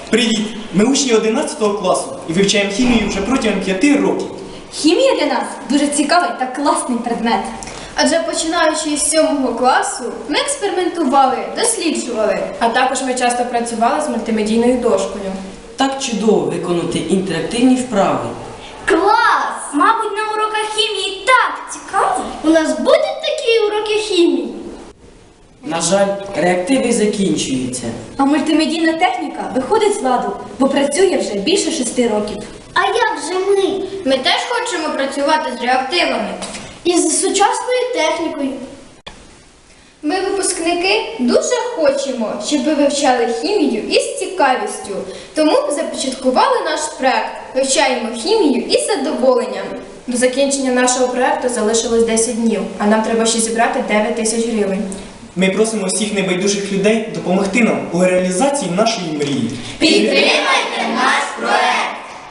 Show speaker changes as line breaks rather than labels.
Привіт! Ми учні 11 класу і вивчаємо хімію вже протягом 5 років.
Хімія для нас дуже цікавий та класний предмет.
Адже починаючи із 7 класу, ми експериментували, досліджували.
А також ми часто працювали з мультимедійною дошкою.
Так чудово виконати інтерактивні вправи.
Клас! Мабуть, на уроках хімії так цікаво. У нас будуть такі уроки хімії?
На жаль, реактиви закінчуються.
А мультимедійна техніка виходить з ладу, бо працює вже більше 6 років.
А як же ми?
Ми теж хочемо працювати з реактивами.
І з сучасною технікою.
Ми, випускники, дуже хочемо, щоб ви вивчали хімію із цікавістю. Тому започаткували наш проект «Вивчаємо хімію із задоволенням».
До закінчення нашого проекту залишилось 10 днів, а нам треба ще зібрати 9 тисяч гривень.
Ми просимо всіх небайдужих людей допомогти нам у реалізації нашої мрії.
Підтримуємо!